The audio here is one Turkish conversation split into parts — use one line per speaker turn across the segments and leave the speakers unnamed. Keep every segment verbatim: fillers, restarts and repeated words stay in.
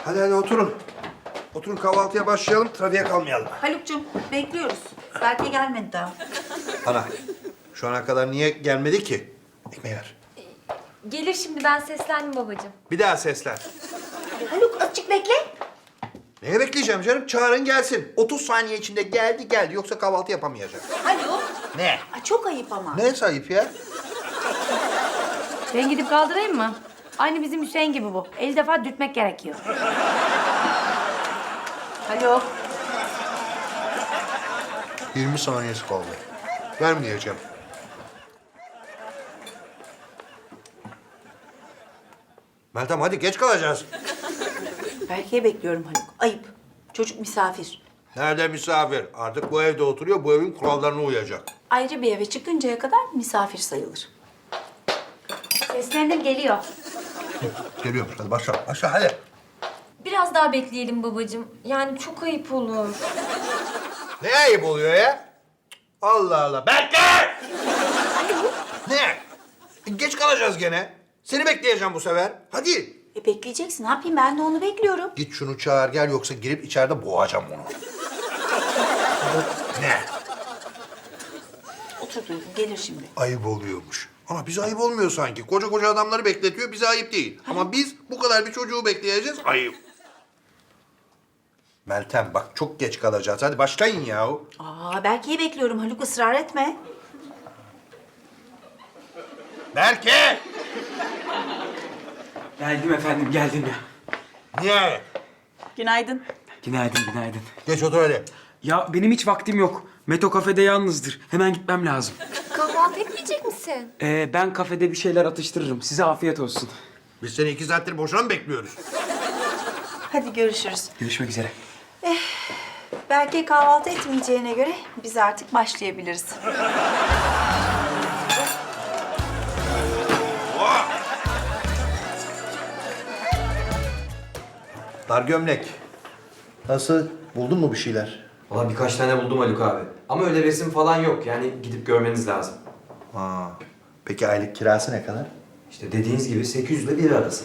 Hadi hadi oturun. Oturun kahvaltıya başlayalım, trafiğe kalmayalım.
Haluk'cum bekliyoruz. Belki gelmedi daha.
Ana, şu ana kadar niye gelmedi ki? Ekmeği ver.
Gelir şimdi, ben seslendim babacığım.
Bir daha seslen.
Haluk azıcık bekle.
Neye bekleyeceğim canım? Çağırın gelsin. otuz saniye içinde geldi geldi yoksa kahvaltı yapamayacak.
Haluk.
Ne?
Ay, çok ayıp ama.
Ne sayıp ya?
Ben gidip kaldırayım mı? Aynı bizim Hüseyin gibi bu. elli defa dürtmek gerekiyor.
Haluk.
yirmi saniyesi kaldı. Vermeyeceğim. Meltem hadi geç kalacağız.
Berke'yi bekliyorum Haluk. Ayıp. Çocuk misafir.
Nerede misafir? Artık bu evde oturuyor, bu evin kurallarına uyacak.
Ayrı bir eve çıkıncaya kadar misafir sayılır.
Seslendim, geliyor.
Geliyormuş, hadi başla, başla hadi.
Biraz daha bekleyelim babacığım. Yani çok ayıp olur.
Ne ayıp oluyor ya? Allah Allah, bekle! Ne? E, geç kalacağız gene. Seni bekleyeceğim bu sefer. Hadi.
E bekleyeceksin. Ne yapayım, ben de onu bekliyorum.
Git şunu çağır gel yoksa girip içeride boğacağım onu. Ne?
Otur Duygu, gelir şimdi.
Ayıp oluyormuş. Ama bize ayıp olmuyor sanki. Koca koca adamları bekletiyor, bize ayıp değil. Ama biz bu kadar bir çocuğu bekleyeceğiz, ayıp. Meltem bak çok geç kalacağız. Hadi başlayın yahu.
Aa, Berke'yi bekliyorum Haluk, ısrar etme.
Berke!
Geldim efendim, geldim ya.
Niye?
Günaydın.
Günaydın, günaydın.
Geç otur hadi.
Ya benim hiç vaktim yok. Meto kafede yalnızdır. Hemen gitmem lazım.
Kahvaltı etmeyecek misin?
Ee, ben kafede bir şeyler atıştırırım. Size afiyet olsun.
Biz seni iki saattir boşuna mı bekliyoruz?
Hadi görüşürüz.
Görüşmek üzere.
Berke kahvaltı etmeyeceğine göre biz artık başlayabiliriz.
Dar gömlek. Nasıl? Buldun mu bir şeyler?
Valla birkaç tane buldum Haluk abi. Ama öyle resim falan yok. Yani gidip görmeniz lazım.
Ha. Peki aylık kirası ne kadar?
İşte dediğiniz gibi sekiz yüz ile bir arası.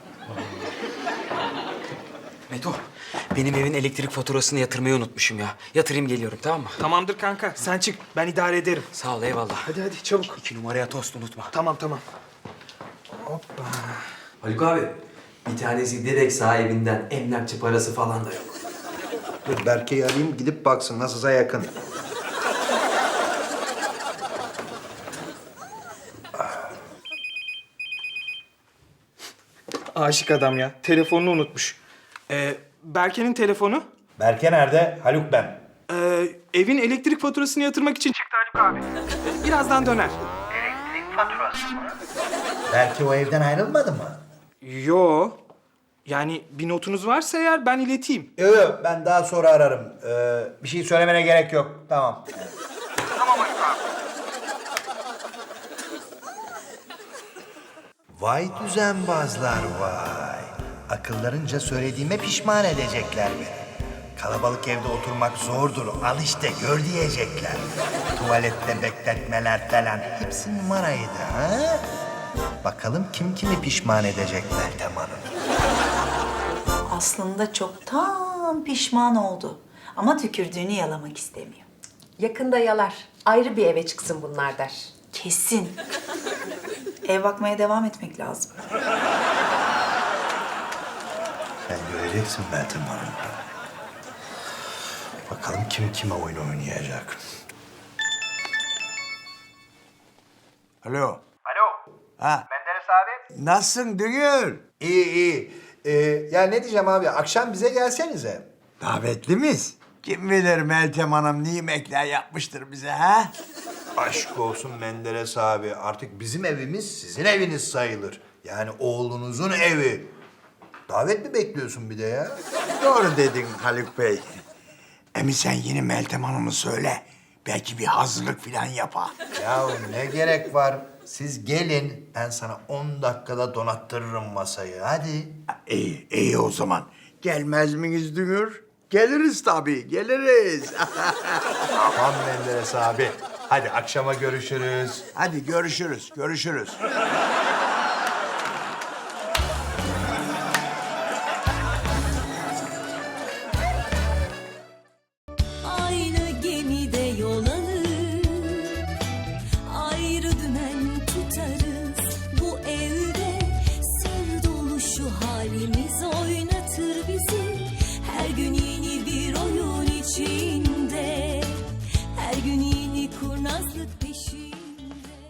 Meto, benim evin elektrik faturasını yatırmayı unutmuşum ya. Yatırayım geliyorum, tamam mı?
Tamamdır kanka. Sen çık. Ben idare ederim.
Sağ ol, eyvallah.
Hadi hadi çabuk.
İki numaraya tost unutma.
Tamam tamam.
Haluk abi, bir tanesi direkt sahibinden emlakçı parası falan da yok.
Dur Berke'yi arayayım gidip baksın nasılsa yakın.
Aşık adam ya. Telefonunu unutmuş. Ee, Berke'nin telefonu.
Berke nerede? Haluk ben.
Ee, evin elektrik faturasını yatırmak için çıktı Haluk abi. Ee, birazdan döner.
Berke o evden ayrılmadı mı?
Yo. Yani bir notunuz varsa eğer ben ileteyim.
Yok yok ben daha sonra ararım. Ee, bir şey söylemene gerek yok. Tamam. Vay düzenbazlar vay. Akıllarınca söylediğime pişman edecekler beni. Kalabalık evde oturmak zordur. Al işte gör diyecekler. Tuvalette bekletmeler falan. Hepsi numaraydı ha? Bakalım kim kimi pişman edecek Meltem Hanım.
Aslında çoktan pişman oldu. Ama tükürdüğünü yalamak istemiyor.
Yakında yalar. Ayrı bir eve çıksın bunlar der.
Kesin. Ev bakmaya devam etmek lazım.
Sen göreceksin Meltem Hanım. Bakalım kim kime oyun oynayacak.
Alo.
Alo.
Ha.
Menderes abi.
Nasılsın Dünür?
İyi iyi. Ee, ya ne diyeceğim abi? Akşam bize gelsenize.
Davetli miyiz? Kim bilir Meltem Hanım ne yemekler yapmıştır bize ha?
Aşk olsun Menderes abi. Artık bizim evimiz sizin eviniz sayılır. Yani oğlunuzun evi. Davet mi bekliyorsun bir de ya?
Doğru dedin Haluk Bey. Emi sen yeni Meltem Hanım'ı söyle. Belki bir hazırlık falan yapar.
Ya ne gerek var? Siz gelin. Ben sana on dakikada donattırırım masayı. Hadi.
İyi, iyi o zaman. Gelmez miyiz Dünür? Geliriz tabii, geliriz.
Tamam Menderes abi. Hadi akşama görüşürüz.
Hadi görüşürüz, görüşürüz.
için